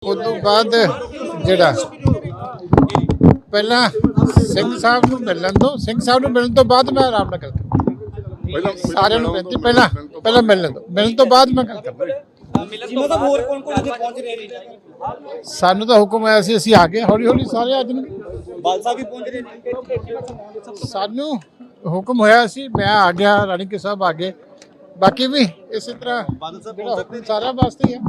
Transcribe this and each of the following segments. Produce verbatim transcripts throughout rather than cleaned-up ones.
ਉਸ ਤੋਂ ਬਾਅਦ ਜਿਹੜਾ ਪਹਿਲਾਂ ਸਿੰਘ ਸਾਹਿਬ ਨੂੰ ਮਿਲਣ ਤੋਂ ਸਿੰਘ ਸਾਹਿਬ ਨੂੰ ਮਿਲਣ ਤੋਂ ਬਾਅਦ ਮੈਂ ਆਰਾਮ ਨਾਲ ਗੱਲ ਕਰਾਂਗਾ। ਸਾਰਿਆਂ ਨੂੰ ਬੇਨਤੀ ਪਹਿਲਾਂ ਪਹਿਲਾਂ ਮਿਲਣ ਤੋਂ ਮਿਲਣ ਤੋਂ ਬਾਅਦ ਮੈਂ ਗੱਲ ਕਰਾਂਗਾ। ਜਿਨ੍ਹਾਂ ਦਾ ਹੋਰ ਕੌਣ ਕੌਣ ਇੱਥੇ ਪਹੁੰਚ ਰਹੇ ਨੇ? ਸਾਨੂੰ ਤਾਂ ਹੁਕਮ ਆਇਆ ਸੀ ਅਸੀਂ ਆ ਗਏ, ਹੌਲੀ ਹੌਲੀ ਸਾਰੇ ਆ ਜਾਣਗੇ। ਬਾਲ ਸਾਹਿਬ ਵੀ ਪਹੁੰਚ ਰਹੇ ਨੇ। ਸਾਨੂੰ ਹੁਕਮ ਹੋਇਆ ਸੀ, ਮੈਂ ਆ ਗਿਆ, ਰਾਣੀ ਕੇ ਸਾਹਿਬ ਆ ਗਏ, ਬਾਕੀ ਵੀ ਇਸੇ ਤਰ੍ਹਾਂ ਬਾਦਲ ਸਾਹਿਬ ਜਿਹੜਾ ਹੁਕਮ ਸਾਰਿਆਂ ਵਾਸਤੇ ਹੀ ਹੈ।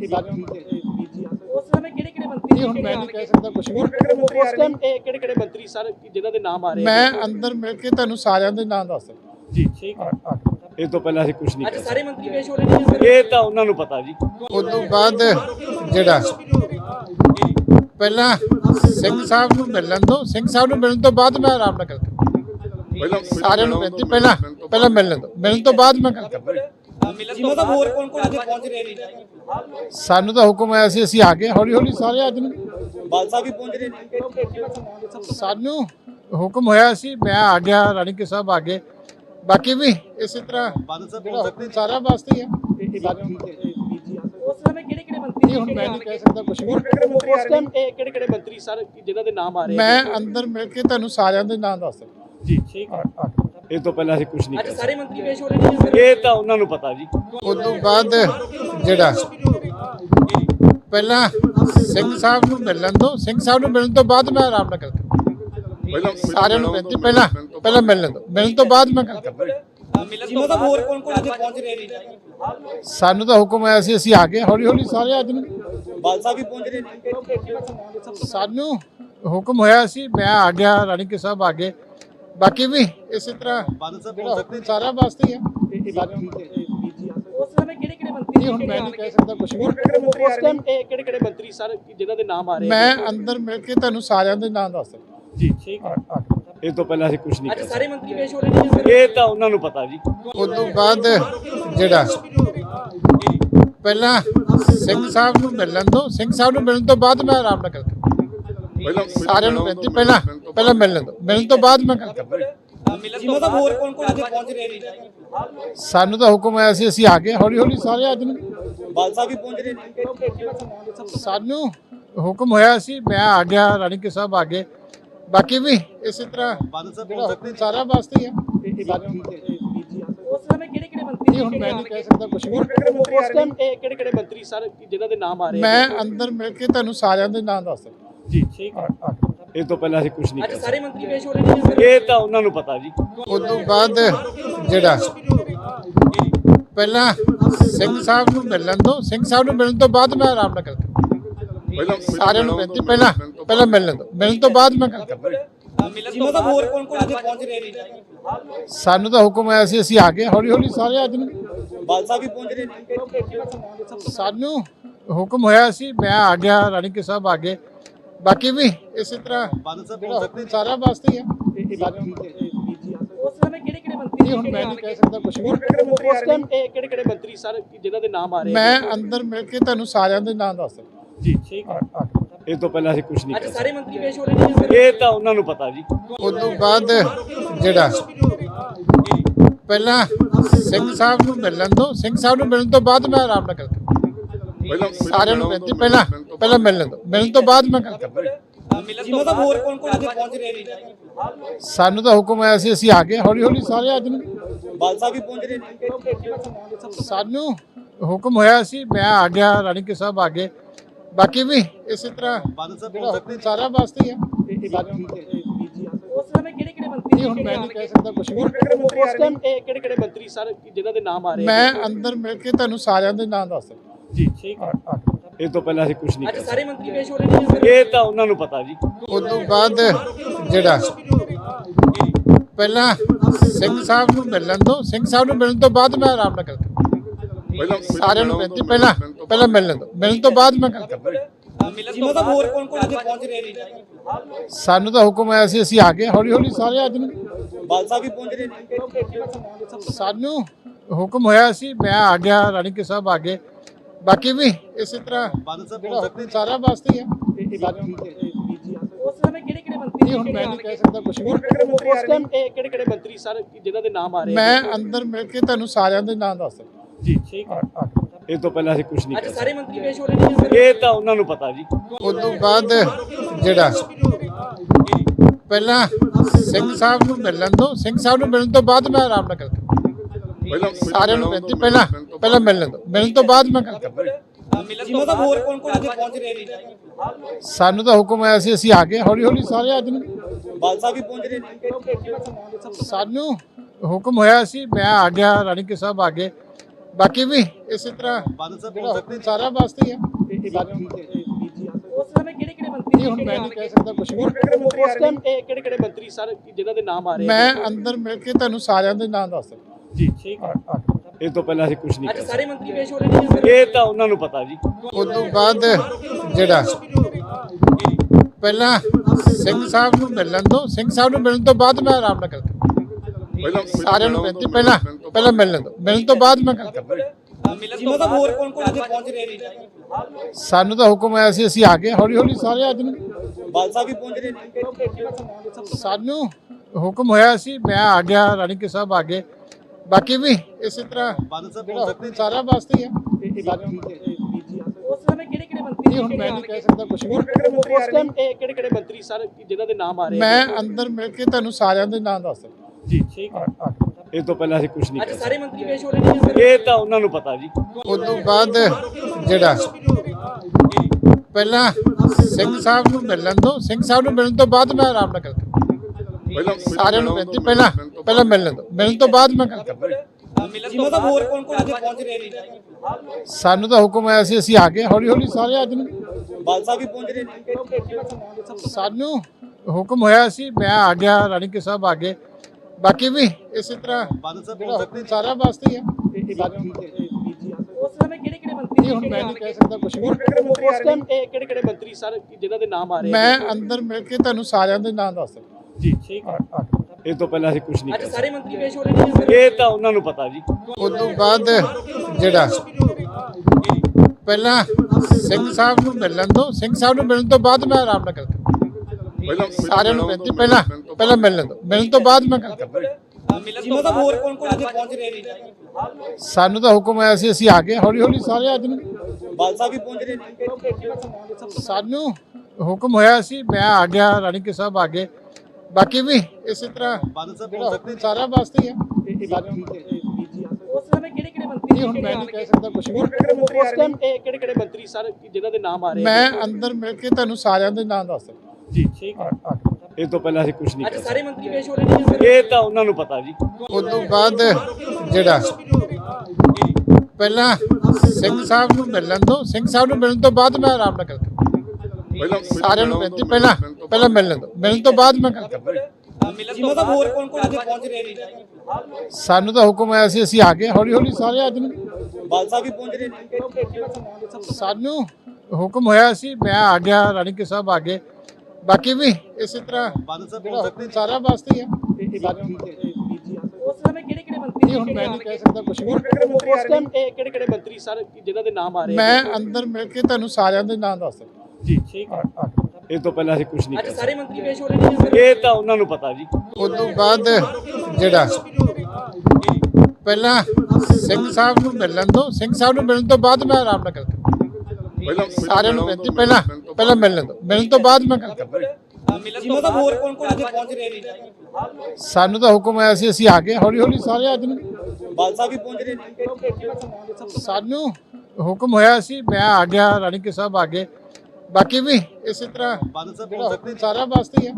ਉਸ ਸਮੇਂ ਕਿਹੜੇ ਕਿਹੜੇ ਮੰਤਰੀ ਇਹ ਹੁਣ ਮੈਂ ਨਹੀਂ ਕਹਿ ਸਕਦਾ ਕੁਝ ਵੀ। ਉਸ ਟਾਈਮ ਇਹ ਕਿਹੜੇ ਕਿਹੜੇ ਮੰਤਰੀ ਸਰ ਜਿਨ੍ਹਾਂ ਦੇ ਨਾਮ ਆ ਰਹੇ ਮੈਂ ਅੰਦਰ ਮਿਲ ਕੇ ਤੁਹਾਨੂੰ ਸਾਰਿਆਂ ਦੇ ਨਾਮ ਦੱਸ ਸਕਦਾ ਜੀ? ਠੀਕ ਹੈ। ਇਸ ਤੋਂ ਪਹਿਲਾਂ ਅਸੀਂ ਕੁਝ ਨਹੀਂ ਅੱਜ ਕਰ ਸਾਰੇ ਮੰਤਰੀ ਪੇਸ਼ ਹੋ ਰਹੇ ਨੇ ਸਕਦੇ। ਇਹ ਤਾਂ ਉਹਨਾਂ ਨੂੰ ਪਤਾ ਜੀ। ਉਸ ਤੋਂ ਬਾਅਦ ਜਿਹੜਾ ਪਹਿਲਾਂ ਸਿੰਘ ਸਾਹਿਬ ਨੂੰ ਮਿਲਣ ਤੋਂ ਸਿੰਘ ਸਾਹਿਬ ਨੂੰ ਮਿਲਣ ਤੋਂ ਬਾਅਦ ਮੈਂ ਆਰਾਮ ਨਾਲ ਗੱਲ ਕਰਾਂਗਾ। ਸਾਰਿਆਂ ਨੂੰ ਬੇਨਤੀ ਪਹਿਲਾਂ ਪਹਿਲਾਂ ਮਿਲਣ ਤੋਂ ਮਿਲਣ ਤੋਂ ਬਾਅਦ ਮੈਂ ਗੱਲ ਕਰਾਂਗਾ। ਜਿਨ੍ਹਾਂ ਦਾ ਹੋਰ ਕੌਣ ਕੌਣ ਇੱਥੇ ਪਹੁੰਚ ਰਹੇ ਨੇ? ਸਾਨੂੰ ਤਾਂ ਹੁਕਮ ਆਇਆ ਸੀ ਅਸੀਂ ਆ ਗਏ, ਹੌਲੀ ਹੌਲੀ ਸਾਰੇ ਆ ਜਾਣਗੇ। ਬਾਲ ਸਾਹਿਬ ਵੀ ਪਹੁੰਚ ਰਹੇ ਨੇ। ਸਾਨੂੰ ਹੁਕਮ ਹੋਇਆ ਸੀ, ਮੈਂ ਆ ਗਿਆ, ਰਾਣੀ ਕੇ ਸਾਹਿਬ ਆ ਗਏ, ਬਾਕੀ ਵੀ ਇਸੇ ਤਰ੍ਹਾਂ ਬਾਦਲ ਸਾਹਿਬ ਜਿਹੜਾ ਹੁਕਮ ਸਾਰਿਆਂ ਵਾਸਤੇ ਹੀ ਹੈ। ਉਸ ਸਮੇਂ ਕਿਹੜੇ ਕਿਹੜੇ ਮੰਤਰੀ ਇਹ ਹੁਣ ਮੈਂ ਨਹੀਂ ਕਹਿ ਸਕਦਾ ਕੁਝ ਵੀ। ਉਸ ਟਾਈਮ ਇਹ ਕਿਹੜੇ ਕਿਹੜੇ ਮੰਤਰੀ ਸਰ ਜਿਨ੍ਹਾਂ ਦੇ ਨਾਮ ਆ ਰਹੇ ਮੈਂ ਅੰਦਰ ਮਿਲ ਕੇ ਤੁਹਾਨੂੰ ਸਾਰਿਆਂ ਦੇ ਨਾਮ ਦੱਸ ਸਕਦਾ ਜੀ। ਠੀਕ ਹੈ। ਇਸ ਤੋਂ ਪਹਿਲਾਂ ਅਸੀਂ ਕੁਝ ਨਹੀਂ ਅੱਜ ਕਰ ਸਾਰੇ ਮੰਤਰੀ ਪੇਸ਼ ਹੋ ਰਹੇ ਨੇ। ਸਕਦੇ। ਇਹ ਤਾਂ ਉਹਨਾਂ ਨੂੰ ਪਤਾ ਜੀ। ਉਸ ਤੋਂ ਬਾਅਦ ਜਿਹੜਾ ਪਹਿਲਾਂ ਸਿੰਘ ਸਾਹਿਬ ਨੂੰ ਮਿਲਣ ਤੋਂ ਸਿੰਘ ਸਾਹਿਬ ਨੂੰ ਮਿਲਣ ਤੋਂ ਬਾਅਦ ਮੈਂ ਆਰਾਮ ਨਾਲ ਗੱਲ ਕਰਾਂਗਾ। ਸਾਰਿਆਂ ਨੂੰ ਬੇਨਤੀ ਪਹਿਲਾਂ ਪਹਿਲਾਂ ਮਿਲਣ ਤੋਂ ਮਿਲਣ ਤੋਂ ਬਾਅਦ ਮੈਂ ਗੱਲ ਕਰਾਂਗਾ। ਜਿਨ੍ਹਾਂ ਦਾ ਹੋਰ ਕੌਣ ਕੌਣ ਇੱਥੇ ਪਹੁੰਚ ਰਹੇ ਨੇ? ਸਾਨੂੰ ਤਾਂ ਹੁਕਮ ਆਇਆ ਸੀ ਅਸੀਂ ਆ ਗਏ, ਹੌਲੀ ਹੌਲੀ ਸਾਰੇ ਆ ਜਾਣਗੇ। ਬਾਲ ਸਾਹਿਬ ਵੀ ਪਹੁੰਚ ਰਹੇ ਨੇ। ਸਾਨੂੰ ਹੁਕਮ ਹੋਇਆ ਸੀ, ਮੈਂ ਆ ਗਿਆ, ਰਾਣੀ ਕੇ ਸਾਹਿਬ ਆ ਗਏ, ਬਾਕੀ ਵੀ ਇਸੇ ਤਰ੍ਹਾਂ ਬਾਦਲ ਸਾਹਿਬ ਜਿਹੜਾ ਹੁਕਮ ਸਾਰਿਆਂ ਵਾਸਤੇ ਹੀ ਹੈ। ਉਸ ਸਮੇਂ ਕਿਹੜੇ ਕਿਹੜੇ ਮੰਤਰੀ ਇਹ ਹੁਣ ਮੈਂ ਨਹੀਂ ਕਹਿ ਸਕਦਾ ਕੁਝ ਵੀ। ਉਸ ਟਾਈਮ ਇਹ ਕਿਹੜੇ ਕਿਹੜੇ ਮੰਤਰੀ ਸਰ ਜਿਨ੍ਹਾਂ ਦੇ ਨਾਮ ਆ ਰਹੇ ਮੈਂ ਅੰਦਰ ਮਿਲ ਕੇ ਤੁਹਾਨੂੰ ਸਾਰਿਆਂ ਦੇ ਨਾਮ ਦੱਸ ਸਕਦਾ ਜੀ। ਠੀਕ ਹੈ। ਇਸ ਤੋਂ ਪਹਿਲਾਂ ਅਸੀਂ ਕੁਝ ਨਹੀਂ ਅੱਜ ਕਰ ਸਾਰੇ ਮੰਤਰੀ ਪੇਸ਼ ਹੋ ਰਹੇ ਨੇ। ਸਕਦੇ। ਇਹ ਤਾਂ ਉਹਨਾਂ ਨੂੰ ਪਤਾ ਜੀ। ਉਸ ਤੋਂ ਬਾਅਦ ਜਿਹੜਾ ਪਹਿਲਾਂ ਸਿੰਘ ਸਾਹਿਬ ਨੂੰ ਮਿਲਣ ਤੋਂ ਸਿੰਘ ਸਾਹਿਬ ਨੂੰ ਮਿਲਣ ਤੋਂ ਬਾਅਦ ਮੈਂ ਆਰਾਮ ਨਾਲ ਗੱਲ ਕਰਾਂਗਾ। ਸਾਰਿਆਂ ਨੂੰ ਬੇਨਤੀ ਪਹਿਲਾਂ ਪਹਿਲਾਂ ਮਿਲਣ ਤੋਂ ਮਿਲਣ ਤੋਂ ਬਾਅਦ ਮੈਂ ਗੱਲ ਕਰਾਂਗਾ। ਜਿਨ੍ਹਾਂ ਦਾ ਹੋਰ ਕੌਣ ਕੌਣ ਇੱਥੇ ਪਹੁੰਚ ਰਹੇ ਨੇ? ਸਾਨੂੰ ਤਾਂ ਹੁਕਮ ਆਇਆ ਸੀ ਅਸੀਂ ਆ ਗਏ, ਹੌਲੀ ਹੌਲੀ ਸਾਰੇ ਆ ਜਾਣਗੇ। ਬਾਲ ਸਾਹਿਬ ਵੀ ਪਹੁੰਚ ਰਹੇ ਨੇ। ਸਾਨੂੰ ਹੁਕਮ ਹੋਇਆ ਸੀ, ਮੈਂ ਆ ਗਿਆ, ਰਾਣੀ ਕੇ ਸਾਹਿਬ ਆ ਗਏ, ਬਾਕੀ ਵੀ ਇਸੇ ਤਰ੍ਹਾਂ ਬਾਦਲ ਸਾਹਿਬ ਜਿਹੜਾ ਹੁਕਮ ਸਾਰਿਆਂ ਵਾਸਤੇ ਹੀ ਹੈ। ਉਸ ਸਮੇਂ ਕਿਹੜੇ ਕਿਹੜੇ ਮੰਤਰੀ ਇਹ ਹੁਣ ਮੈਂ ਨਹੀਂ ਕਹਿ ਸਕਦਾ ਕੁਝ ਵੀ। ਉਸ ਟਾਈਮ ਇਹ ਕਿਹੜੇ ਕਿਹੜੇ ਮੰਤਰੀ ਸਰ ਜਿਨ੍ਹਾਂ ਦੇ ਨਾਮ ਆ ਰਹੇ ਮੈਂ ਅੰਦਰ ਮਿਲ ਕੇ ਤੁਹਾਨੂੰ ਸਾਰਿਆਂ ਦੇ ਨਾਮ ਦੱਸ ਸਕਦਾ ਜੀ। ਠੀਕ ਹੈ। ਇਸ ਤੋਂ ਪਹਿਲਾਂ ਅਸੀਂ ਕੁਝ ਨਹੀਂ ਅੱਜ ਕਰ ਸਾਰੇ ਮੰਤਰੀ ਪੇਸ਼ ਹੋ ਰਹੇ ਨੇ। ਸਕਦੇ। ਇਹ ਤਾਂ ਉਹਨਾਂ ਨੂੰ ਪਤਾ ਜੀ। ਉਸ ਤੋਂ ਬਾਅਦ ਜਿਹੜਾ ਪਹਿਲਾਂ ਸਿੰਘ ਸਾਹਿਬ ਨੂੰ ਮਿਲਣ ਤੋਂ ਸਿੰਘ ਸਾਹਿਬ ਨੂੰ ਮਿਲਣ ਤੋਂ ਬਾਅਦ ਮੈਂ ਆਰਾਮ ਨਾਲ ਗੱਲ ਕਰਾਂਗਾ। ਸਾਰਿਆਂ ਨੂੰ ਬੇਨਤੀ ਪਹਿਲਾਂ ਪਹਿਲਾਂ ਮਿਲਣ ਤੋਂ ਮਿਲਣ ਤੋਂ ਬਾਅਦ ਮੈਂ ਗੱਲ ਕਰਾਂਗਾ। ਜਿਨ੍ਹਾਂ ਦਾ ਹੋਰ ਕੌਣ ਕੌਣ ਇੱਥੇ ਪਹੁੰਚ ਰਹੇ ਨੇ? ਸਾਨੂੰ ਤਾਂ ਹੁਕਮ ਆਇਆ ਸੀ ਅਸੀਂ ਆ ਗਏ, ਹੌਲੀ ਹੌਲੀ ਸਾਰੇ ਆ ਜਾਣਗੇ। ਬਾਲ ਸਾਹਿਬ ਵੀ ਪਹੁੰਚ ਰਹੇ ਨੇ। ਸਾਨੂੰ ਹੁਕਮ ਹੋਇਆ ਸੀ, ਮੈਂ ਆ ਗਿਆ, ਰਾਣੀ ਕੇ ਸਾਹਿਬ ਆ ਗਏ, ਬਾਕੀ ਵੀ ਇਸੇ ਤਰ੍ਹਾਂ ਬਾਦਲ ਸਾਹਿਬ ਜਿਹੜਾ ਹੁਕਮ ਸਾਰਿਆਂ ਵਾਸਤੇ ਹੀ ਹੈ। ਉਸ ਸਮੇਂ ਕਿਹੜੇ ਕਿਹੜੇ ਮੰਤਰੀ ਇਹ ਹੁਣ ਮੈਂ ਨਹੀਂ ਕਹਿ ਸਕਦਾ ਕੁਝ ਵੀ। ਉਸ ਟਾਈਮ ਇਹ ਕਿਹੜੇ ਕਿਹੜੇ ਮੰਤਰੀ ਸਰ ਜਿਨ੍ਹਾਂ ਦੇ ਨਾਮ ਆ ਰਹੇ ਮੈਂ ਅੰਦਰ ਮਿਲ ਕੇ ਤੁਹਾਨੂੰ ਸਾਰਿਆਂ ਦੇ ਨਾਮ ਦੱਸ ਸਕਦਾ ਜੀ। ਠੀਕ ਹੈ। ਇਸ ਤੋਂ ਪਹਿਲਾਂ ਅਸੀਂ ਕੁਝ ਨਹੀਂ ਅੱਜ ਕਰ ਸਾਰੇ ਮੰਤਰੀ ਪੇਸ਼ ਹੋ ਰਹੇ ਨੇ। ਸਕਦੇ। ਇਹ ਤਾਂ ਉਹਨਾਂ ਨੂੰ ਪਤਾ ਜੀ। ਉਸ ਤੋਂ ਬਾਅਦ ਜਿਹੜਾ ਪਹਿਲਾਂ ਸਿੰਘ ਸਾਹਿਬ ਨੂੰ ਮਿਲਣ ਤੋਂ ਸਿੰਘ ਸਾਹਿਬ ਨੂੰ ਮਿਲਣ ਤੋਂ ਬਾਅਦ ਮੈਂ ਆਰਾਮ ਨਾਲ ਗੱਲ ਕਰਾਂਗਾ। ਸਾਰਿਆਂ ਨੂੰ ਬੇਨਤੀ ਪਹਿਲਾਂ ਪਹਿਲਾਂ ਮਿਲਣ ਤੋਂ ਮਿਲਣ ਤੋਂ ਬਾਅਦ ਮੈਂ ਗੱਲ ਕਰਾਂਗਾ। ਜਿਨ੍ਹਾਂ ਦਾ ਹੋਰ ਕੌਣ ਕੌਣ ਇੱਥੇ ਪਹੁੰਚ ਰਹੇ ਨੇ? ਸਾਨੂੰ ਤਾਂ ਹੁਕਮ ਆਇਆ ਸੀ ਅਸੀਂ ਆ ਗਏ, ਹੌਲੀ ਹੌਲੀ ਸਾਰੇ ਆ ਜਾਣਗੇ। ਬਾਲ ਸਾਹਿਬ ਵੀ ਪਹੁੰਚ ਰਹੇ ਨੇ। ਸਾਨੂੰ ਹੁਕਮ ਹੋਇਆ ਸੀ, ਮੈਂ ਆ ਗਿਆ, ਰਾਣੀ ਕੇ ਸਾਹਿਬ ਆ ਗਏ, ਬਾਕੀ ਵੀ ਇਸੇ ਤਰ੍ਹਾਂ ਬਾਦਲ ਸਾਹਿਬ ਜਿਹੜਾ ਹੁਕਮ ਸਾਰਿਆਂ ਵਾਸਤੇ ਹੀ ਹੈ। ਉਸ ਸਮੇਂ ਕਿਹੜੇ ਕਿਹੜੇ ਮੰਤਰੀ ਇਹ ਹੁਣ ਮੈਂ ਨਹੀਂ ਕਹਿ ਸਕਦਾ ਕੁਝ ਵੀ। ਉਸ ਟਾਈਮ ਇਹ ਕਿਹੜੇ ਕਿਹੜੇ ਮੰਤਰੀ ਸਰ ਜਿਨ੍ਹਾਂ ਦੇ ਨਾਮ ਆ ਰਹੇ ਮੈਂ ਅੰਦਰ ਮਿਲ ਕੇ ਤੁਹਾਨੂੰ ਸਾਰਿਆਂ ਦੇ ਨਾਮ ਦੱਸ ਸਕਦਾ ਜੀ। ਠੀਕ ਹੈ। ਇਸ ਤੋਂ ਪਹਿਲਾਂ ਅਸੀਂ ਕੁਝ ਨਹੀਂ ਅੱਜ ਕਰ ਸਾਰੇ ਮੰਤਰੀ ਪੇਸ਼ ਹੋ ਰਹੇ ਨੇ। ਸਕਦੇ। ਇਹ ਤਾਂ ਉਹਨਾਂ ਨੂੰ ਪਤਾ ਜੀ। ਉਸ ਤੋਂ ਬਾਅਦ ਜਿਹੜਾ ਪਹਿਲਾਂ ਸਿੰਘ ਸਾਹਿਬ ਨੂੰ ਮਿਲਣ ਤੋਂ ਸਿੰਘ ਸਾਹਿਬ ਨੂੰ ਮਿਲਣ ਤੋਂ ਬਾਅਦ ਮੈਂ ਆਰਾਮ ਨਾਲ ਗੱਲ ਕਰਾਂਗਾ। ਸਾਰਿਆਂ ਨੂੰ ਬੇਨਤੀ ਪਹਿਲਾਂ ਪਹਿਲਾਂ ਮਿਲਣ ਤੋਂ ਮਿਲਣ ਤੋਂ ਬਾਅਦ ਮੈਂ ਗੱਲ ਕਰਾਂਗਾ। ਜਿਨ੍ਹਾਂ ਦਾ ਹੋਰ ਕੌਣ ਕੌਣ ਇੱਥੇ ਪਹੁੰਚ ਰਹੇ ਨੇ? ਸਾਨੂੰ ਤਾਂ ਹੁਕਮ ਆਇਆ ਸੀ ਅਸੀਂ ਆ ਗਏ, ਹੌਲੀ ਹੌਲੀ ਸਾਰੇ ਆ ਜਾਣਗੇ। ਬਾਲ ਸਾਹਿਬ ਵੀ ਪਹੁੰਚ ਰਹੇ ਨੇ। ਸਾਨੂੰ ਹੁਕਮ ਹੋਇਆ ਸੀ, ਮੈਂ ਆ ਗਿਆ, ਰਾਣੀ ਕੇ ਸਾਹਿਬ ਆ ਗਏ, ਬਾਕੀ ਵੀ ਇਸੇ ਤਰ੍ਹਾਂ ਬਾਦਲ ਸਾਹਿਬ ਜਿਹੜਾ ਹੁਕਮ ਸਾਰਿਆਂ ਵਾਸਤੇ ਹੀ ਹੈ। ਉਸ ਸਮੇਂ ਕਿਹੜੇ ਕਿਹੜੇ ਮੰਤਰੀ ਇਹ ਹੁਣ ਮੈਂ ਨਹੀਂ ਕਹਿ ਸਕਦਾ ਕੁਝ ਵੀ। ਉਸ ਟਾਈਮ ਇਹ ਕਿਹੜੇ ਕਿਹੜੇ ਮੰਤਰੀ ਸਰ ਜਿਨ੍ਹਾਂ ਦੇ ਨਾਮ ਆ ਰਹੇ ਮੈਂ ਅੰਦਰ ਮਿਲ ਕੇ ਤੁਹਾਨੂੰ ਸਾਰਿਆਂ ਦੇ ਨਾਮ ਦੱਸ ਸਕਦਾ ਜੀ। ਠੀਕ ਹੈ। ਇਸ ਤੋਂ ਪਹਿਲਾਂ ਅਸੀਂ ਕੁਝ ਨਹੀਂ ਅੱਜ ਕਰ ਸਾਰੇ ਮੰਤਰੀ ਪੇਸ਼ ਹੋ ਰਹੇ ਨੇ ਸਕਦੇ ਇਹ ਤਾਂ ਉਹਨਾਂ ਨੂੰ ਪਤਾ ਜੀ ਉਸ ਤੋਂ ਬਾਅਦ ਜਿਹੜਾ ਪਹਿਲਾਂ ਸਿੰਘ ਸਾਹਿਬ ਨੂੰ ਮਿਲਣ ਦੋ ਸਿੰਘ ਸਾਹਿਬ ਨੂੰ ਮਿਲਣ ਤੋਂ ਬਾਅਦ ਮੈਂ ਆਰਾਮ ਨਾਲ ਗੱਲ ਕਰਾਂਗਾ ਸਾਰਿਆਂ ਨੂੰ ਬੇਨਤੀ ਪਹਿਲਾਂ ਪਹਿਲਾਂ ਮਿਲਣ ਦੋ ਮਿਲਣ ਤੋਂ ਬਾਅਦ ਮੈਂ ਗੱਲ ਕਰਾਂਗਾ ਜੀ ਮਤਲਬ ਹੋਰ ਕੌਣ ਕੌਣ ਇੱਥੇ ਪਹੁੰਚ ਰਹੇ ਨੇ ਸਾਨੂੰ ਤਾਂ ਹੁਕਮ ਆਇਆ ਸੀ ਅਸੀਂ ਆ ਗਏ ਹੌਲੀ ਹੌਲੀ ਸਾਰੇ ਆ ਜਾਣਗੇ ਬਾਲ ਸਾਹਿਬ ਵੀ ਪਹੁੰਚ ਰਹੇ ਨੇ ਸਾਨੂੰ ਹੁਕਮ ਹੋਇਆ ਸੀ ਮੈਂ ਆ ਗਿਆ ਰਾਣੀ ਕੇ ਸਾਹਿਬ ਆ ਗਏ ਬਾਕੀ ਵੀ ਇਸੇ ਤਰ੍ਹਾਂ ਜਿਹੜਾ ਹੁਕਮ ਸਾਰਾ ਵਾਸਤੇ ਹੀ ਆ ਉਸ ਸਮੇਂ ਕਿਹੜੇ ਕਿਹੜੇ ਮੰਤਰੀ ਇਹ ਹੁਣ ਮੈਂ ਨਹੀਂ ਕਹਿ ਸਕਦਾ ਕੁਝ ਵੀ ਉਸ ਟਾਈਮ ਇਹ ਕਿਹੜੇ ਕਿਹੜੇ ਮੰਤਰੀ ਸਰ ਜਿਨ੍ਹਾਂ ਦੇ ਨਾਮ ਆ ਰਹੇ ਮੈਂ ਅੰਦਰ ਮਿਲ ਕੇ ਤੁਹਾਨੂੰ ਸਾਰਿਆਂ ਦੇ ਨਾਮ ਦੱਸ ਸਕਦਾ ਜੀ ਠੀਕ ਇਸ ਤੋਂ ਪਹਿਲਾਂ ਅਸੀਂ ਕੁਝ ਨਹੀਂ ਅੱਜ ਕਰ ਸਾਰੇ ਮੰਤਰੀ ਪੇਸ਼ ਹੋ ਰਹੇ ਨੇ ਸਕਦੇ ਇਹ ਤਾਂ ਉਹਨਾਂ ਨੂੰ ਪਤਾ ਜੀ ਉਸ ਤੋਂ ਬਾਅਦ ਜਿਹੜਾ ਪਹਿਲਾਂ ਸਿੰਘ ਸਾਹਿਬ ਨੂੰ ਮਿਲਣ ਦੋ ਸਿੰਘ ਸਾਹਿਬ ਨੂੰ ਮਿਲਣ ਤੋਂ ਬਾਅਦ ਮੈਂ ਆਰਾਮ ਨਾਲ ਗੱਲ ਕਰਾਂਗਾ ਸਾਰਿਆਂ ਨੂੰ ਬੇਨਤੀ ਪਹਿਲਾਂ ਪਹਿਲਾਂ ਮਿਲਣ ਦੋ ਮਿਲਣ ਤੋਂ ਬਾਅਦ ਮੈਂ ਗੱਲ ਕਰਾਂਗਾ ਜੀ ਮਤਲਬ ਹੋਰ ਕੌਣ ਕੌਣ ਇੱਥੇ ਪਹੁੰਚ ਰਹੇ ਨੇ ਸਾਨੂੰ ਤਾਂ ਹੁਕਮ ਆਇਆ ਸੀ ਅਸੀਂ ਆ ਗਏ ਹੌਲੀ ਹੌਲੀ ਸਾਰੇ ਆ ਜਾਣਗੇ ਬਾਲ ਸਾਹਿਬ ਵੀ ਪਹੁੰਚ ਰਹੇ ਨੇ ਸਾਨੂੰ ਹੁਕਮ ਹੋਇਆ ਸੀ ਮੈਂ ਆ ਗਿਆ ਰਾਣੀ ਕੇ ਸਾਹਿਬ ਆ ਗਏ ਬਾਕੀ ਵੀ ਇਸੇ ਤਰ੍ਹਾਂ ਜਿਹੜਾ ਹੁਕਮ ਸਾਰਾ ਵਾਸਤੇ ਹੀ ਆ ਉਸ ਸਮੇਂ ਕਿਹੜੇ ਕਿਹੜੇ ਮੰਤਰੀ ਇਹ ਹੁਣ ਮੈਂ ਨਹੀਂ ਕਹਿ ਸਕਦਾ ਕੁਝ ਵੀ ਉਸ ਟਾਈਮ ਇਹ ਕਿਹੜੇ ਕਿਹੜੇ ਮੰਤਰੀ ਸਰ ਜਿਨ੍ਹਾਂ ਦੇ ਨਾਮ ਆ ਰਹੇ ਮੈਂ ਅੰਦਰ ਮਿਲ ਕੇ ਤੁਹਾਨੂੰ ਸਾਰਿਆਂ ਦੇ ਨਾਮ ਦੱਸ ਸਕਦਾ ਜੀ ਠੀਕ ਇਸ ਤੋਂ ਪਹਿਲਾਂ ਅਸੀਂ ਕੁਝ ਨਹੀਂ ਅੱਜ ਕਰ ਸਾਰੇ ਮੰਤਰੀ ਪੇਸ਼ ਹੋ ਰਹੇ ਨੇ ਸਕਦੇ ਇਹ ਤਾਂ ਉਹਨਾਂ ਨੂੰ ਪਤਾ ਜੀ ਉਸ ਤੋਂ ਬਾਅਦ ਜਿਹੜਾ ਪਹਿਲਾਂ ਸਿੰਘ ਸਾਹਿਬ ਨੂੰ ਮਿਲਣ ਦੋ ਸਿੰਘ ਸਾਹਿਬ ਨੂੰ ਮਿਲਣ ਤੋਂ ਬਾਅਦ ਮੈਂ ਆਰਾਮ ਨਾਲ ਗੱਲ ਕਰਾਂਗਾ ਸਾਰਿਆਂ ਨੂੰ ਬੇਨਤੀ ਪਹਿਲਾਂ ਪਹਿਲਾਂ ਮਿਲਣ ਦੋ ਮਿਲਣ ਤੋਂ ਬਾਅਦ ਮੈਂ ਗੱਲ ਕਰਾਂਗਾ ਜੀ ਮਤਲਬ ਹੋਰ ਕੌਣ ਕੌਣ ਇੱਥੇ ਪਹੁੰਚ ਰਹੇ ਨੇ ਸਾਨੂੰ ਤਾਂ ਹੁਕਮ ਆਇਆ ਸੀ ਅਸੀਂ ਆ ਗਏ ਹੌਲੀ ਹੌਲੀ ਸਾਰੇ ਆ ਜਾਣਗੇ ਬਾਲ ਸਾਹਿਬ ਵੀ ਪਹੁੰਚ ਰਹੇ ਨੇ ਸਾਨੂੰ ਹੁਕਮ ਹੋਇਆ ਸੀ ਮੈਂ ਆ ਗਿਆ ਰਾਣੀ ਕੇ ਸਾਹਿਬ ਆ ਗਏ ਬਾਕੀ ਵੀ ਇਸੇ ਤਰ੍ਹਾਂ ਜਿਹੜਾ ਹੁਕਮ ਸਾਰਾ ਵਾਸਤੇ ਹੀ ਆ ਉਸ ਸਮੇਂ ਕਿਹੜੇ ਕਿਹੜੇ ਮੰਤਰੀ ਇਹ ਹੁਣ ਮੈਂ ਨਹੀਂ ਕਹਿ ਸਕਦਾ ਕੁਝ ਵੀ ਉਸ ਟਾਈਮ ਇਹ ਕਿਹੜੇ ਕਿਹੜੇ ਮੰਤਰੀ ਸਰ ਜਿਨ੍ਹਾਂ ਦੇ ਨਾਮ ਆ ਰਹੇ ਮੈਂ ਅੰਦਰ ਮਿਲ ਕੇ ਤੁਹਾਨੂੰ ਸਾਰਿਆਂ ਦੇ ਨਾਮ ਦੱਸ ਸਕਦਾ ਜੀ ਠੀਕ ਇਸ ਤੋਂ ਪਹਿਲਾਂ ਅਸੀਂ ਕੁਝ ਨਹੀਂ ਅੱਜ ਕਰ ਸਾਰੇ ਮੰਤਰੀ ਪੇਸ਼ ਹੋ ਰਹੇ ਨੇ ਸਕਦੇ ਇਹ ਤਾਂ ਉਹਨਾਂ ਨੂੰ ਪਤਾ ਜੀ ਉਸ ਤੋਂ ਬਾਅਦ ਜਿਹੜਾ ਪਹਿਲਾਂ ਸਿੰਘ ਸਾਹਿਬ ਨੂੰ ਮਿਲਣ ਦੋ ਸਿੰਘ ਸਾਹਿਬ ਨੂੰ ਮਿਲਣ ਤੋਂ ਬਾਅਦ ਮੈਂ ਆਰਾਮ ਨਾਲ ਗੱਲ ਕਰਾਂਗਾ ਸਾਰਿਆਂ ਨੂੰ ਬੇਨਤੀ ਪਹਿਲਾਂ ਪਹਿਲਾਂ ਮਿਲਣ ਦੋ ਮਿਲਣ ਤੋਂ ਬਾਅਦ ਮੈਂ ਗੱਲ ਕਰਾਂਗਾ ਜੀ ਮਤਲਬ ਹੋਰ ਕੌਣ ਕੌਣ ਇੱਥੇ ਪਹੁੰਚ ਰਹੇ ਨੇ ਸਾਨੂੰ ਤਾਂ ਹੁਕਮ ਆਇਆ ਸੀ ਅਸੀਂ ਆ ਗਏ ਹੌਲੀ ਹੌਲੀ ਸਾਰੇ ਆ ਜਾਣਗੇ ਬਾਲ ਸਾਹਿਬ ਵੀ ਪਹੁੰਚ ਰਹੇ ਨੇ ਸਾਨੂੰ ਹੁਕਮ ਹੋਇਆ ਸੀ ਮੈਂ ਆ ਗਿਆ ਰਾਣੀ ਕੇ ਸਾਹਿਬ ਆ ਗਏ ਬਾਕੀ ਵੀ ਇਸੇ ਤਰ੍ਹਾਂ ਜਿਹੜਾ ਹੁਕਮ ਸਾਰਾ ਵਾਸਤੇ ਹੀ ਆ ਉਸ ਸਮੇਂ ਕਿਹੜੇ ਕਿਹੜੇ ਮੰਤਰੀ ਇਹ ਹੁਣ ਮੈਂ ਨਹੀਂ ਕਹਿ ਸਕਦਾ ਕੁਝ ਵੀ ਉਸ ਟਾਈਮ ਇਹ ਕਿਹੜੇ ਕਿਹੜੇ ਮੰਤਰੀ ਸਰ ਜਿਨ੍ਹਾਂ ਦੇ ਨਾਮ ਆ ਰਹੇ ਮੈਂ ਅੰਦਰ ਮਿਲ ਕੇ ਤੁਹਾਨੂੰ ਸਾਰਿਆਂ ਦੇ ਨਾਮ ਦੱਸ ਸਕਦਾ ਜੀ ਠੀਕ ਇਸ ਤੋਂ ਪਹਿਲਾਂ ਅਸੀਂ ਕੁਝ ਨਹੀਂ ਅੱਜ ਕਰ ਸਾਰੇ ਮੰਤਰੀ ਪੇਸ਼ ਹੋ ਰਹੇ ਨੇ ਸਕਦੇ ਇਹ ਤਾਂ ਉਹਨਾਂ ਨੂੰ ਪਤਾ ਜੀ ਉਸ ਤੋਂ ਬਾਅਦ ਜਿਹੜਾ ਪਹਿਲਾਂ ਸਿੰਘ ਸਾਹਿਬ ਨੂੰ ਮਿਲਣ ਦੋ ਸਿੰਘ ਸਾਹਿਬ ਨੂੰ ਮਿਲਣ ਤੋਂ ਬਾਅਦ ਮੈਂ ਆਰਾਮ ਨਾਲ ਗੱਲ ਕਰਾਂਗਾ ਸਾਰਿਆਂ ਨੂੰ ਬੇਨਤੀ ਪਹਿਲਾਂ ਪਹਿਲਾਂ ਮਿਲਣ ਦੋ ਮਿਲਣ ਤੋਂ ਬਾਅਦ ਮੈਂ ਗੱਲ ਕਰਾਂਗਾ ਜੀ ਮਤਲਬ ਹੋਰ ਕੌਣ ਕੌਣ ਇੱਥੇ ਪਹੁੰਚ ਰਹੇ ਨੇ ਸਾਨੂੰ ਤਾਂ ਹੁਕਮ ਆਇਆ ਸੀ ਅਸੀਂ ਆ ਗਏ ਹੌਲੀ ਹੌਲੀ ਸਾਰੇ ਆ ਜਾਣਗੇ ਬਾਲ ਸਾਹਿਬ ਵੀ ਪਹੁੰਚ ਰਹੇ ਨੇ ਸਾਨੂੰ ਹੁਕਮ ਹੋਇਆ ਸੀ ਮੈਂ ਆ ਗਿਆ ਰਾਣੀ ਕੇ ਸਾਹਿਬ ਆ ਗਏ ਬਾਕੀ ਵੀ ਇਸੇ ਤਰ੍ਹਾਂ ਜਿਹੜਾ ਹੁਕਮ ਸਾਰਾ ਵਾਸਤੇ ਹੀ ਆ ਉਸ ਸਮੇਂ ਕਿਹੜੇ ਕਿਹੜੇ ਮੰਤਰੀ ਇਹ ਹੁਣ ਮੈਂ ਨਹੀਂ ਕਹਿ ਸਕਦਾ ਕੁਝ ਵੀ ਉਸ ਟਾਈਮ ਇਹ ਕਿਹੜੇ ਕਿਹੜੇ ਮੰਤਰੀ ਸਰ ਜਿਨ੍ਹਾਂ ਦੇ ਨਾਮ ਆ ਰਹੇ ਮੈਂ ਅੰਦਰ ਮਿਲ ਕੇ ਤੁਹਾਨੂੰ ਸਾਰਿਆਂ ਦੇ ਨਾਮ ਦੱਸ ਸਕਦਾ ਜੀ ਠੀਕ ਇਸ ਤੋਂ ਪਹਿਲਾਂ ਅਸੀਂ ਕੁਝ ਨਹੀਂ ਅੱਜ ਕਰ ਸਾਰੇ ਮੰਤਰੀ ਪੇਸ਼ ਹੋ ਰਹੇ ਨੇ ਸਕਦੇ ਇਹ ਤਾਂ ਉਹਨਾਂ ਨੂੰ ਪਤਾ ਜੀ ਉਸ ਤੋਂ ਬਾਅਦ ਜਿਹੜਾ ਪਹਿਲਾਂ ਸਿੰਘ ਸਾਹਿਬ ਨੂੰ ਮਿਲਣ ਦੋ ਸਿੰਘ ਸਾਹਿਬ ਨੂੰ ਮਿਲਣ ਤੋਂ ਬਾਅਦ ਮੈਂ ਆਰਾਮ ਨਾਲ ਗੱਲ ਕਰਾਂਗਾ ਸਾਰਿਆਂ ਨੂੰ ਬੇਨਤੀ ਪਹਿਲਾਂ ਪਹਿਲਾਂ ਮਿਲਣ ਦੋ ਮਿਲਣ ਤੋਂ ਬਾਅਦ ਮੈਂ ਗੱਲ ਕਰਾਂਗਾ ਜੀ ਮਤਲਬ ਹੋਰ ਕੌਣ ਕੌਣ ਇੱਥੇ ਪਹੁੰਚ ਰਹੇ ਨੇ ਸਾਨੂੰ ਤਾਂ ਹੁਕਮ ਆਇਆ ਸੀ ਅਸੀਂ ਆ ਗਏ ਹੌਲੀ ਹੌਲੀ ਸਾਰੇ ਆ ਜਾਣਗੇ ਬਾਲ ਸਾਹਿਬ ਵੀ ਪਹੁੰਚ ਰਹੇ ਨੇ ਸਾਨੂੰ ਹੁਕਮ ਹੋਇਆ ਸੀ ਮੈਂ ਆ ਗਿਆ ਰਾਣੀ ਕੇ ਸਾਹਿਬ ਆ ਗਏ ਬਾਕੀ ਵੀ ਇਸੇ ਤਰ੍ਹਾਂ ਜਿਹੜਾ ਹੁਕਮ ਸਾਰਾ ਵਾਸਤੇ ਹੀ ਆ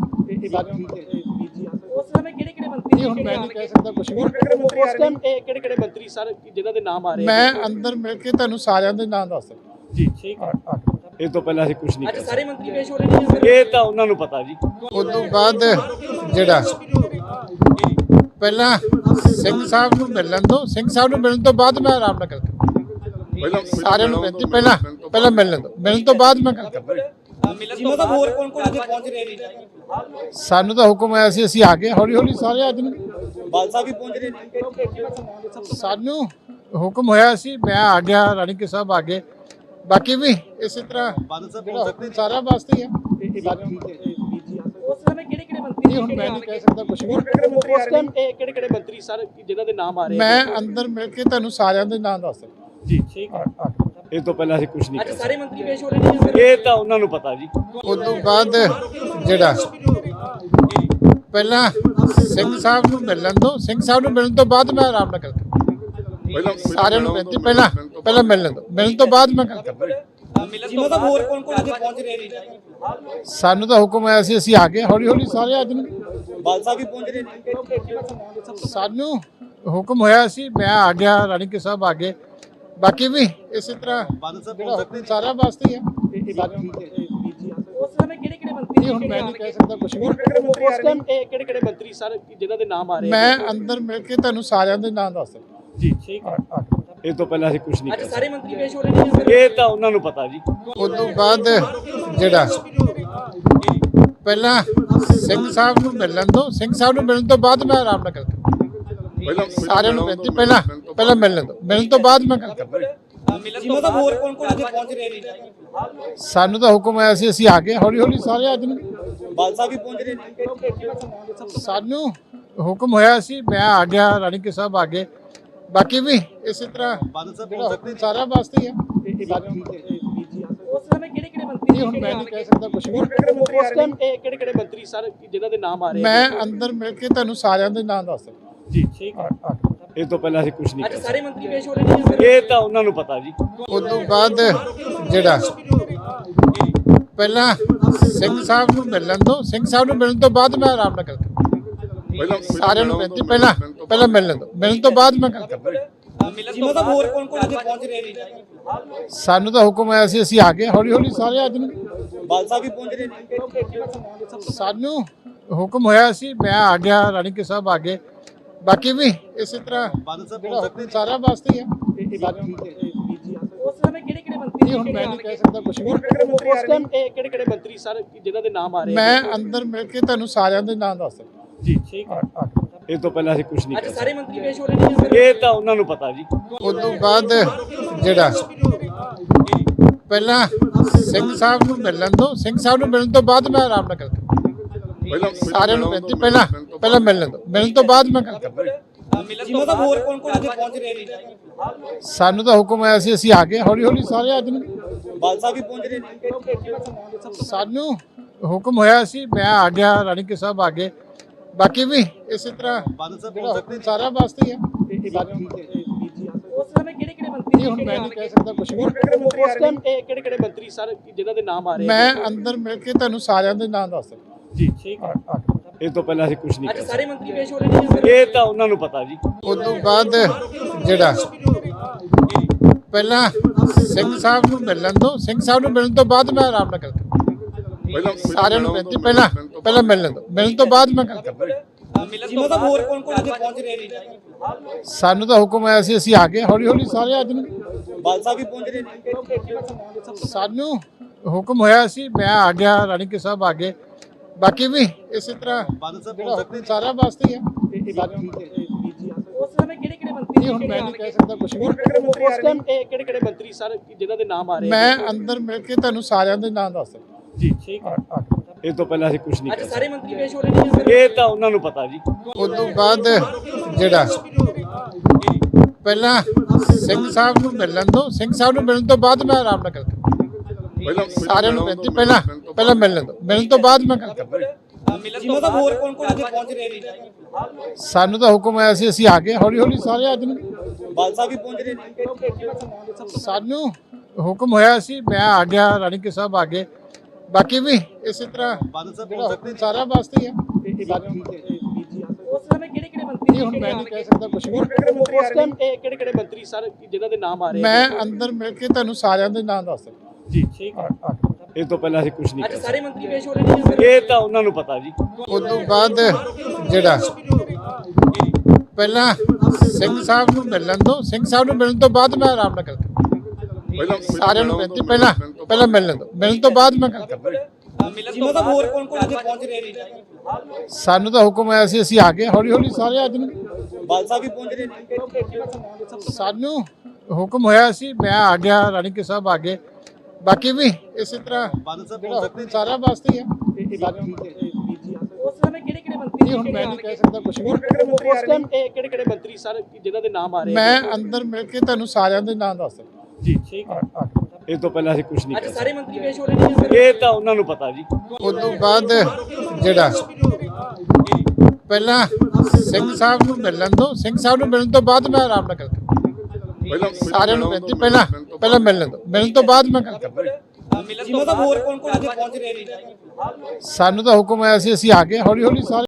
ਉਸ ਸਮੇਂ ਕਿਹੜੇ ਕਿਹੜੇ ਮੰਤਰੀ ਇਹ ਹੁਣ ਮੈਂ ਨਹੀਂ ਕਹਿ ਸਕਦਾ ਕੁਝ ਵੀ ਉਸ ਟਾਈਮ ਇਹ ਕਿਹੜੇ ਕਿਹੜੇ ਮੰਤਰੀ ਸਰ ਜਿਨ੍ਹਾਂ ਦੇ ਨਾਮ ਆ ਰਹੇ ਮੈਂ ਅੰਦਰ ਮਿਲ ਕੇ ਤੁਹਾਨੂੰ ਸਾਰਿਆਂ ਦੇ ਨਾਮ ਦੱਸ ਸਕਦਾ ਜੀ ਠੀਕ ਇਸ ਤੋਂ ਪਹਿਲਾਂ ਅਸੀਂ ਕੁਝ ਨਹੀਂ ਅੱਜ ਕਰ ਸਾਰੇ ਮੰਤਰੀ ਪੇਸ਼ ਹੋ ਰਹੇ ਨੇ ਸਕਦੇ ਇਹ ਤਾਂ ਉਹਨਾਂ ਨੂੰ ਪਤਾ ਜੀ ਉਸ ਤੋਂ ਬਾਅਦ ਜਿਹੜਾ ਪਹਿਲਾਂ ਸਿੰਘ ਸਾਹਿਬ ਨੂੰ ਮਿਲਣ ਦੋ ਸਿੰਘ ਸਾਹਿਬ ਨੂੰ ਮਿਲਣ ਤੋਂ ਬਾਅਦ ਮੈਂ ਆਰਾਮ ਨਾਲ ਗੱਲ ਕਰਾਂਗਾ ਸਾਰਿਆਂ ਨੂੰ ਬੇਨਤੀ ਪਹਿਲਾਂ ਪਹਿਲਾਂ ਮਿਲਣ ਦੋ ਮਿਲਣ ਤੋਂ ਬਾਅਦ ਮੈਂ ਗੱਲ ਕਰਾਂਗਾ ਜੀ ਮਤਲਬ ਹੋਰ ਕੌਣ ਕੌਣ ਇੱਥੇ ਪਹੁੰਚ ਰਹੇ ਨੇ ਸਾਨੂੰ ਤਾਂ ਹੁਕਮ ਆਇਆ ਸੀ ਅਸੀਂ ਆ ਗਏ ਹੌਲੀ ਹੌਲੀ ਸਾਰੇ ਆ ਜਾਣਗੇ ਬਾਲ ਸਾਹਿਬ ਵੀ ਪਹੁੰਚ ਰਹੇ ਨੇ ਸਾਨੂੰ ਹੁਕਮ ਹੋਇਆ ਸੀ ਮੈਂ ਆ ਗਿਆ ਰਾਣੀ ਕੇ ਸਾਹਿਬ ਆ ਗਏ ਬਾਕੀ ਵੀ ਇਸੇ ਤਰ੍ਹਾਂ ਜਿਹੜਾ ਹੁਕਮ ਸਾਰਾ ਵਾਸਤੇ ਹੀ ਆ ਉਸ ਸਮੇਂ ਕਿਹੜੇ ਕਿਹੜੇ ਮੰਤਰੀ ਇਹ ਹੁਣ ਮੈਂ ਨਹੀਂ ਕਹਿ ਸਕਦਾ ਕੁਝ ਵੀ ਉਸ ਟਾਈਮ ਇਹ ਕਿਹੜੇ ਕਿਹੜੇ ਮੰਤਰੀ ਸਰ ਜਿਨ੍ਹਾਂ ਦੇ ਨਾਮ ਆ ਰਹੇ ਮੈਂ ਅੰਦਰ ਮਿਲ ਕੇ ਤੁਹਾਨੂੰ ਸਾਰਿਆਂ ਦੇ ਨਾਮ ਦੱਸ ਸਕਦਾ ਜੀ ਠੀਕ ਆ- ਆ- ਇਹ ਤੋਂ ਪਹਿਲਾਂ ਅਸੀਂ ਕੁਝ ਨਹੀਂ ਅੱਜ ਕਰ ਸਾਰੇ ਮੰਤਰੀ ਪੇਸ਼ ਹੋ ਰਹੇ ਨੇ ਸਕਦੇ ਇਹ ਤਾਂ ਉਹਨਾਂ ਨੂੰ ਪਤਾ ਜੀ ਉਸ ਤੋਂ ਬਾਅਦ ਜਿਹੜਾ ਪਹਿਲਾਂ ਸਿੰਘ ਸਾਹਿਬ ਨੂੰ ਮਿਲਣ ਦੋ ਸਿੰਘ ਸਾਹਿਬ ਨੂੰ ਮਿਲਣ ਤੋਂ ਬਾਅਦ ਮੈਂ ਆਰਾਮ ਨਾਲ ਗੱਲ ਕਰਾਂਗਾ ਸਾਰਿਆਂ ਨੂੰ ਬੇਨਤੀ ਪਹਿਲਾਂ ਪਹਿਲਾਂ ਮਿਲਣ ਦੋ ਮਿਲਣ ਤੋਂ ਬਾਅਦ ਮੈਂ ਗੱਲ ਕਰਾਂਗਾ ਮਿਲਣ ਤੋਂ ਬਾਅਦ ਹੋਰ ਕੌਣ ਕੌਣ ਇੱਥੇ ਪਹੁੰਚ ਰਹੇ ਨੇ ਸਾਨੂੰ ਤਾਂ ਹੁਕਮ ਆਇਆ ਸੀ ਅਸੀਂ ਆ ਗਏ ਹੌਲੀ ਹੌਲੀ ਸਾਰੇ ਆ ਜਾਣਗੇ ਬਾਲ ਸਾਹਿਬ ਵੀ ਪਹੁੰਚ ਰਹੇ ਨੇ ਸਾਨੂੰ ਹੁਕਮ ਹੋਇਆ ਸੀ ਮੈਂ ਆ ਗਿਆ ਰਾਣੀ ਕੇ ਸਾਹਿਬ ਆ ਗਏ ਬਾਕੀ ਵੀ ਇਸੇ ਤਰ੍ਹਾਂ ਜਿਹੜਾ ਹੁਕਮ ਸਾਰਿਆਂ ਵਾਸਤੇ ਹੀ ਹੈ ਉਸ ਸਮੇਂ ਕਿਹੜੇ ਕਿਹੜੇ ਮੰਤਰੀ ਇਹ ਹੁਣ ਮੈਂ ਨਹੀਂ ਕਹਿ ਸਕਦਾ ਕੁਝ ਵੀ ਉਸ ਟਾਈਮ ਇਹ ਕਿਹੜੇ ਕਿਹੜੇ ਮੰਤਰੀ ਸਰ ਜਿਨ੍ਹਾਂ ਦੇ ਨਾਮ ਆ ਰਹੇ ਮੈਂ ਅੰਦਰ ਮਿਲ ਕੇ ਤੁਹਾਨੂੰ ਸਾਰਿਆਂ ਦੇ ਨਾਮ ਦੱਸ ਸਕਦਾ ਜੀ ਠੀਕ ਆ- ਆ- ਇਹ ਤੋਂ ਪਹਿਲਾਂ ਅਸੀਂ ਕੁਝ ਨਹੀਂ ਅੱਜ ਕਰ ਸਾਰੇ ਮੰਤਰੀ ਪੇਸ਼ ਹੋ ਰਹੇ ਨੇ ਸਕਦੇ ਇਹ ਤਾਂ ਉਹਨਾਂ ਨੂੰ ਪਤਾ ਜੀ ਉਸ ਤੋਂ ਬਾਅਦ ਜਿਹੜਾ ਪਹਿਲਾਂ ਸਿੰਘ ਸਾਹਿਬ ਨੂੰ ਮਿਲਣ ਦੋ ਸਿੰਘ ਸਾਹਿਬ ਨੂੰ ਮਿਲਣ ਤੋਂ ਬਾਅਦ ਮੈਂ ਆਰਾਮ ਨਾਲ ਗੱਲ ਕਰਾਂਗਾ ਸਾਰਿਆਂ ਨੂੰ ਬੇਨਤੀ ਪਹਿਲਾਂ ਪਹਿਲਾਂ ਮਿਲਣ ਦੋ ਮਿਲਣ ਤੋਂ ਬਾਅਦ ਮੈਂ ਗੱਲ ਕਰਾਂਗਾ ਮਿਲਣ ਤੋਂ ਬਾਅਦ ਹੋਰ ਕੌਣ ਕੌਣ ਇੱਥੇ ਪਹੁੰਚ ਰਹੇ ਨੇ ਸਾਨੂੰ ਤਾਂ ਹੁਕਮ ਆਇਆ ਸੀ ਅਸੀਂ ਆ ਗਏ ਹੌਲੀ ਹੌਲੀ ਸਾਰੇ ਆ ਜਾਣਗੇ ਬਾਲ ਸਾਹਿਬ ਵੀ ਪਹੁੰਚ ਰਹੇ ਨੇ ਸਾਨੂੰ ਹੁਕਮ ਹੋਇਆ ਸੀ ਮੈਂ ਆ ਗਿਆ ਰਾਣੀ ਕੇ ਸਾਹਿਬ ਆ ਗਏ ਬਾਕੀ ਵੀ ਇਸੇ ਤਰ੍ਹਾਂ ਜਿਹੜਾ ਹੁਕਮ ਸਾਰਿਆਂ ਵਾਸਤੇ ਹੀ ਹੈ ਉਸ ਸਮੇਂ ਕਿਹੜੇ ਕਿਹੜੇ ਮੰਤਰੀ ਇਹ ਹੁਣ ਮੈਂ ਨਹੀਂ ਕਹਿ ਸਕਦਾ ਕੁਝ ਵੀ ਉਸ ਟਾਈਮ ਇਹ ਕਿਹੜੇ ਕਿਹੜੇ ਮੰਤਰੀ ਸਰ ਜਿਨ੍ਹਾਂ ਦੇ ਨਾਮ ਆ ਰਹੇ ਮੈਂ ਅੰਦਰ ਮਿਲ ਕੇ ਤੁਹਾਨੂੰ ਸਾਰਿਆਂ ਦੇ ਨਾਮ ਦੱਸ ਸਕਦਾ ਜੀ ਠੀਕ ਆ- ਆ- ਇਹ ਤੋਂ ਪਹਿਲਾਂ ਅਸੀਂ ਕੁਝ ਨਹੀਂ ਅੱਜ ਕਰ ਸਾਰੇ ਮੰਤਰੀ ਪੇਸ਼ ਹੋ ਰਹੇ ਨੇ ਸਕਦੇ ਇਹ ਤਾਂ ਉਹਨਾਂ ਨੂੰ ਪਤਾ ਜੀ ਉਸ ਤੋਂ ਬਾਅਦ ਜਿਹੜਾ ਪਹਿਲਾਂ ਸਿੰਘ ਸਾਹਿਬ ਨੂੰ ਮਿਲਣ ਦੋ ਸਿੰਘ ਸਾਹਿਬ ਨੂੰ ਮਿਲਣ ਤੋਂ ਬਾਅਦ ਮੈਂ ਆਰਾਮ ਨਾਲ ਗੱਲ ਕਰਾਂਗਾ ਸਾਰਿਆਂ ਨੂੰ ਬੇਨਤੀ ਪਹਿਲਾਂ ਪਹਿਲਾਂ ਮਿਲਣ ਦੋ ਮਿਲਣ ਤੋਂ ਬਾਅਦ ਮੈਂ ਗੱਲ ਕਰਾਂਗਾ ਮਿਲਣ ਤੋਂ ਬਾਅਦ ਹੋਰ ਕੌਣ ਕੌਣ ਇੱਥੇ ਪਹੁੰਚ ਰਹੇ ਨੇ ਸਾਨੂੰ ਤਾਂ ਹੁਕਮ ਆਇਆ ਸੀ ਅਸੀਂ ਆ ਗਏ ਹੌਲੀ ਹੌਲੀ ਸਾਰੇ ਆ ਜਾਣਗੇ ਬਾਲ ਸਾਹਿਬ ਵੀ ਪਹੁੰਚ ਰਹੇ ਨੇ ਸਾਨੂੰ ਹੁਕਮ ਹੋਇਆ ਸੀ ਮੈਂ ਆ ਗਿਆ ਰਾਣੀ ਕੇ ਸਾਹਿਬ ਆ ਗਏ ਬਾਕੀ ਵੀ ਇਸੇ ਤਰ੍ਹਾਂ ਜਿਹੜਾ ਹੁਕਮ ਸਾਰਿਆਂ ਵਾਸਤੇ ਹੀ ਹੈ ਉਸ ਸਮੇਂ ਕਿਹੜੇ ਕਿਹੜੇ ਮੰਤਰੀ ਇਹ ਹੁਣ ਮੈਂ ਨਹੀਂ ਕਹਿ ਸਕਦਾ ਕੁਝ ਵੀ ਉਸ ਟਾਈਮ ਇਹ ਕਿਹੜੇ ਕਿਹੜੇ ਮੰਤਰੀ ਸਰ ਜਿਨ੍ਹਾਂ ਦੇ ਨਾਮ ਆ ਰਹੇ ਮੈਂ ਅੰਦਰ ਮਿਲ ਕੇ ਤੁਹਾਨੂੰ ਸਾਰਿਆਂ ਦੇ ਨਾਮ ਦੱਸ ਸਕਦਾ ਜੀ ਠੀਕ ਆ- ਆ- ਇਹ ਤੋਂ ਪਹਿਲਾਂ ਅਸੀਂ ਕੁਝ ਨਹੀਂ ਅੱਜ ਕਰ ਸਾਰੇ ਮੰਤਰੀ ਪੇਸ਼ ਹੋ ਰਹੇ ਨੇ ਸਕਦੇ ਇਹ ਤਾਂ ਉਹਨਾਂ ਨੂੰ ਪਤਾ ਜੀ ਉਸ ਤੋਂ ਬਾਅਦ ਜਿਹੜਾ ਪਹਿਲਾਂ ਸਿੰਘ ਸਾਹਿਬ ਨੂੰ ਮਿਲਣ ਦੋ ਸਿੰਘ ਸਾਹਿਬ ਨੂੰ ਮਿਲਣ ਤੋਂ ਬਾਅਦ ਮੈਂ ਆਰਾਮ ਨਾਲ ਗੱਲ ਕਰਾਂਗਾ ਸਾਰਿਆਂ ਨੂੰ ਬੇਨਤੀ ਪਹਿਲਾਂ ਪਹਿਲਾਂ ਮਿਲਣ ਦੋ ਮਿਲਣ ਤੋਂ ਬਾਅਦ ਮੈਂ ਗੱਲ ਕਰਾਂਗਾ ਮਿਲਣ ਤੋਂ ਬਾਅਦ ਹੋਰ ਕੌਣ ਕੌਣ ਇੱਥੇ ਪਹੁੰਚ ਰਹੇ ਨੇ ਸਾਨੂੰ ਤਾਂ ਹੁਕਮ ਆਇਆ ਸੀ ਅਸੀਂ ਆ ਗਏ ਹੌਲੀ ਹੌਲੀ ਸਾਰੇ ਆ ਜਾਣਗੇ ਬਾਲ ਸਾਹਿਬ ਵੀ ਪਹੁੰਚ ਰਹੇ ਨੇ ਸਾਨੂੰ ਹੁਕਮ ਹੋਇਆ ਸੀ ਮੈਂ ਆ ਗਿਆ ਰਾਣੀ ਕੇ ਸਾਹਿਬ ਆ ਗਏ ਬਾਕੀ ਵੀ ਇਸੇ ਤਰ੍ਹਾਂ ਜਿਹੜਾ ਹੁਕਮ ਸਾਰਿਆਂ ਵਾਸਤੇ ਹੀ ਹੈ ਉਸ ਸਮੇਂ ਕਿਹੜੇ ਕਿਹੜੇ ਮੰਤਰੀ ਇਹ ਹੁਣ ਮੈਂ ਨਹੀਂ ਕਹਿ ਸਕਦਾ ਕੁਝ ਵੀ ਉਸ ਟਾਈਮ ਇਹ ਕਿਹੜੇ ਕਿਹੜੇ ਮੰਤਰੀ ਸਰ ਜਿਨ੍ਹਾਂ ਦੇ ਨਾਮ ਆ ਰਹੇ ਮੈਂ ਅੰਦਰ ਮਿਲ ਕੇ ਤੁਹਾਨੂੰ ਸਾਰਿਆਂ ਦੇ ਨਾਮ ਦੱਸ ਸਕਦਾ ਜੀ ਠੀਕ ਆ- ਆ- ਇਹ ਤੋਂ ਪਹਿਲਾਂ ਅਸੀਂ ਕੁਝ ਨਹੀਂ ਅੱਜ ਕਰ ਸਾਰੇ ਮੰਤਰੀ ਪੇਸ਼ ਹੋ ਰਹੇ ਨੇ ਸਕਦੇ ਇਹ ਤਾਂ ਉਹਨਾਂ ਨੂੰ ਪਤਾ ਜੀ ਉਸ ਤੋਂ ਬਾਅਦ ਜਿਹੜਾ ਪਹਿਲਾਂ ਸਿੰਘ ਸਾਹਿਬ ਨੂੰ ਮਿਲਣ ਦੋ ਸਿੰਘ ਸਾਹਿਬ ਨੂੰ ਮਿਲਣ ਤੋਂ ਬਾਅਦ ਮੈਂ ਆਰਾਮ ਨਾਲ ਗੱਲ ਕਰਾਂਗਾ ਸਾਰਿਆਂ ਨੂੰ ਬੇਨਤੀ ਪਹਿਲਾਂ ਪਹਿਲਾਂ ਮਿਲਣ ਦੋ ਮਿਲਣ ਤੋਂ ਬਾਅਦ ਮੈਂ ਗੱਲ ਕਰਾਂਗਾ ਮਿਲਣ ਤੋਂ ਬਾਅਦ ਹੋਰ ਕੌਣ ਕੌਣ ਇੱਥੇ ਪਹੁੰਚ ਰਹੇ ਨੇ ਸਾਨੂੰ ਤਾਂ ਹੁਕਮ ਆਇਆ ਸੀ ਅਸੀਂ ਆ ਗਏ ਹੌਲੀ ਹੌਲੀ ਸਾਰੇ ਆ ਜਾਣਗੇ ਬਾਲ ਸਾਹਿਬ ਵੀ ਪਹੁੰਚ ਰਹੇ ਨੇ ਸਾਨੂੰ ਹੁਕਮ ਹੋਇਆ ਸੀ ਮੈਂ ਆ ਗਿਆ ਰਾਣੀ ਕੇ ਸਾਹਿਬ ਆ ਗਏ ਬਾਕੀ ਵੀ ਇਸੇ ਤਰ੍ਹਾਂ ਜਿਹੜਾ ਹੁਕਮ ਸਾਰਿਆਂ ਵਾਸਤੇ ਹੀ ਹੈ ਉਸ ਸਮੇਂ ਕਿਹੜੇ ਕਿਹੜੇ ਮੰਤਰੀ ਇਹ ਹੁਣ ਮੈਂ ਨਹੀਂ ਕਹਿ ਸਕਦਾ ਕੁਝ ਵੀ ਉਸ ਟਾਈਮ ਇਹ ਕਿਹੜੇ ਕਿਹੜੇ ਮੰਤਰੀ ਸਰ ਜਿਨ੍ਹਾਂ ਦੇ ਨਾਮ ਆ ਰਹੇ ਮੈਂ ਅੰਦਰ ਮਿਲ ਕੇ ਤੁਹਾਨੂੰ ਸਾਰਿਆਂ ਦੇ ਨਾਮ ਦੱਸ ਸਕਦਾ ਜੀ ਠੀਕ ਆ- ਆ- ਇਹ ਤੋਂ ਪਹਿਲਾਂ ਅਸੀਂ ਕੁਝ ਨਹੀਂ ਅੱਜ ਕਰ ਸਾਰੇ ਮੰਤਰੀ ਪੇਸ਼ ਹੋ ਰਹੇ ਨੇ ਸਕਦੇ ਇਹ ਤਾਂ ਉਹਨਾਂ ਨੂੰ ਪਤਾ ਜੀ ਉਸ ਤੋਂ ਬਾਅਦ ਜਿਹੜਾ ਪਹਿਲਾਂ ਸਿੰਘ ਸਾਹਿਬ ਨੂੰ ਮਿਲਣ ਦੋ ਸਿੰਘ ਸਾਹਿਬ ਨੂੰ ਮਿਲਣ ਤੋਂ ਬਾਅਦ ਮੈਂ ਆਰਾਮ ਨਾਲ ਗੱਲ ਕਰਾਂਗਾ ਸਾਰਿਆਂ ਨੂੰ ਬੇਨਤੀ ਪਹਿਲਾਂ ਪਹਿਲਾਂ ਮਿਲਣ ਦੋ ਮਿਲਣ ਤੋਂ ਬਾਅਦ ਮੈਂ ਗੱਲ ਕਰਾਂਗਾ ਮਿਲਣ ਤੋਂ ਬਾਅਦ ਹੋਰ ਕੌਣ ਕੌਣ ਇੱਥੇ ਪਹੁੰਚ ਰਹੇ ਨੇ ਸਾਨੂੰ ਤਾਂ ਹੁਕਮ ਆਇਆ ਸੀ ਅਸੀਂ ਆ ਗਏ ਹੌਲੀ ਹੌਲੀ ਸਾਰੇ ਆ ਜਾਣਗੇ ਬਾਲ ਸਾਹਿਬ ਵੀ ਪਹੁੰਚ ਰਹੇ ਨੇ ਸਾਨੂੰ ਹੁਕਮ ਹੋਇਆ ਸੀ ਮੈਂ ਆ ਗਿਆ ਰਾਣੀ ਕੇ ਸਾਹਿਬ ਆ ਗਏ ਬਾਕੀ ਵੀ ਇਸੇ ਤਰ੍ਹਾਂ ਜਿਹੜਾ ਹੁਕਮ ਸਾਰਿਆਂ ਵਾਸਤੇ ਹੀ ਹੈ ਉਸ ਸਮੇਂ ਕਿਹੜੇ ਕਿਹੜੇ ਮੰਤਰੀ ਇਹ ਹੁਣ ਮੈਂ ਨਹੀਂ ਕਹਿ ਸਕਦਾ ਕੁਝ ਵੀ ਉਸ ਟਾਈਮ ਇਹ ਕਿਹੜੇ ਕਿਹੜੇ ਮੰਤਰੀ ਸਰ ਜਿਨ੍ਹਾਂ ਦੇ ਨਾਮ ਆ ਰਹੇ ਮੈਂ ਅੰਦਰ ਮਿਲ ਕੇ ਤੁਹਾਨੂੰ ਸਾਰਿਆਂ ਦੇ ਨਾਮ ਦੱਸ ਸਕਦਾ ਜੀ ਠੀਕ ਆ- ਆ- ਇਹ ਤੋਂ ਪਹਿਲਾਂ ਅਸੀਂ ਕੁਝ ਨਹੀਂ ਅੱਜ ਕਰ ਸਾਰੇ ਮੰਤਰੀ ਪੇਸ਼ ਹੋ ਰਹੇ ਨੇ ਸਕਦੇ ਇਹ ਤਾਂ ਉਹਨਾਂ ਨੂੰ ਪਤਾ ਜੀ ਉਸ ਤੋਂ ਬਾਅਦ ਜਿਹੜਾ ਪਹਿਲਾਂ ਸਿੰਘ ਸਾਹਿਬ ਨੂੰ ਮਿਲਣ ਦੋ ਸਿੰਘ ਸਾਹਿਬ ਨੂੰ ਮਿਲਣ ਤੋਂ ਬਾਅਦ ਮੈਂ ਆਰਾਮ ਨਾਲ ਗੱਲ ਕਰਾਂਗਾ ਸਾਰਿਆਂ ਨੂੰ ਬੇਨਤੀ ਪਹਿਲਾਂ ਪਹਿਲਾਂ ਮਿਲਣ ਦੋ ਮਿਲਣ ਤੋਂ ਬਾਅਦ ਮੈਂ ਗੱਲ ਕਰਾਂਗਾ ਮਿਲਣ ਤੋਂ ਬਾਅਦ ਹੋਰ ਕੌਣ ਕੌਣ ਇੱਥੇ ਪਹੁੰਚ ਰਹੇ ਨੇ ਸਾਨੂੰ ਤਾਂ ਹੁਕਮ ਆਇਆ ਸੀ ਅਸੀਂ ਆ ਗਏ ਹੌਲੀ ਹੌਲੀ ਸਾਰੇ ਆ ਜਾਣਗੇ ਬਾਲ ਸਾਹਿਬ ਵੀ ਪਹੁੰਚ ਰਹੇ ਨੇ ਸਾਨੂੰ ਹੁਕਮ ਹੋਇਆ ਸੀ ਮੈਂ ਆ ਗਿਆ ਰਾਣੀ ਕੇ ਸਾਹਿਬ ਆ ਗਏ ਬਾਕੀ ਵੀ ਇਸੇ ਤਰ੍ਹਾਂ ਜਿਹੜਾ ਹੁਕਮ ਸਾਰਿਆਂ ਵਾਸਤੇ ਹੀ ਹੈ ਉਸ ਸਮੇਂ ਕਿਹੜੇ ਕਿਹੜੇ ਇਹ ਹੁਣ ਮੈਂ ਨਹੀਂ ਕਹਿ ਸਕਦਾ ਕੁਝ ਵੀ। ਉਸ ਟਾਈਮ ਕਿਹੜੇ ਕਿਹੜੇ ਮੰਤਰੀ ਸਰ ਜਿਨ੍ਹਾਂ ਦੇ ਨਾਮ ਆ ਰਹੇ ਮੈਂ ਅੰਦਰ ਮਿਲ ਕੇ ਤੁਹਾਨੂੰ ਸਾਰਿਆਂ ਦੇ ਨਾਮ ਦੱਸ ਸਕਦਾ ਜੀ ਠੀਕ ਆ- ਆ। ਇਹ ਤੋਂ ਪਹਿਲਾਂ ਅਸੀਂ ਕੁਝ ਨਹੀਂ ਅੱਜ ਕਰ ਸਾਰੇ ਮੰਤਰੀ ਪੇਸ਼ ਹੋ ਰਹੇ ਨੇ ਸਕਦੇ ਇਹ ਤਾਂ ਉਹਨਾਂ ਨੂੰ ਪਤਾ ਜੀ ਉਸ ਤੋਂ ਬਾਅਦ ਜਿਹੜਾ ਪਹਿਲਾਂ ਸਿੰਘ ਸਾਹਿਬ ਨੂੰ ਮਿਲਣ ਦੋ ਸਿੰਘ ਸਾਹਿਬ ਨੂੰ ਮਿਲਣ ਤੋਂ ਬਾਅਦ ਮੈਂ ਆਰਾਮ ਨਾਲ ਗੱਲ ਕਰਾਂਗਾ। ਸਾਰਿਆਂ ਨੂੰ ਬੇਨਤੀ ਪਹਿਲਾਂ ਪਹਿਲਾਂ ਮਿਲਣ ਦੋ ਮਿਲਣ ਤੋਂ ਬਾਅਦ ਮੈਂ ਗੱਲ ਕਰਾਂਗਾ। ਜਿਨ੍ਹਾਂ ਦਾ ਹੋਰ ਕੌਣ ਕੌਣ ਇੱਥੇ ਪਹੁੰਚ ਰਹੇ ਨੇ ਸਾਨੂੰ ਤਾਂ ਹੁਕਮ ਆਇਆ ਸੀ ਅਸੀਂ ਆ ਗਏ ਹੌਲੀ ਹੌਲੀ ਸਾਰੇ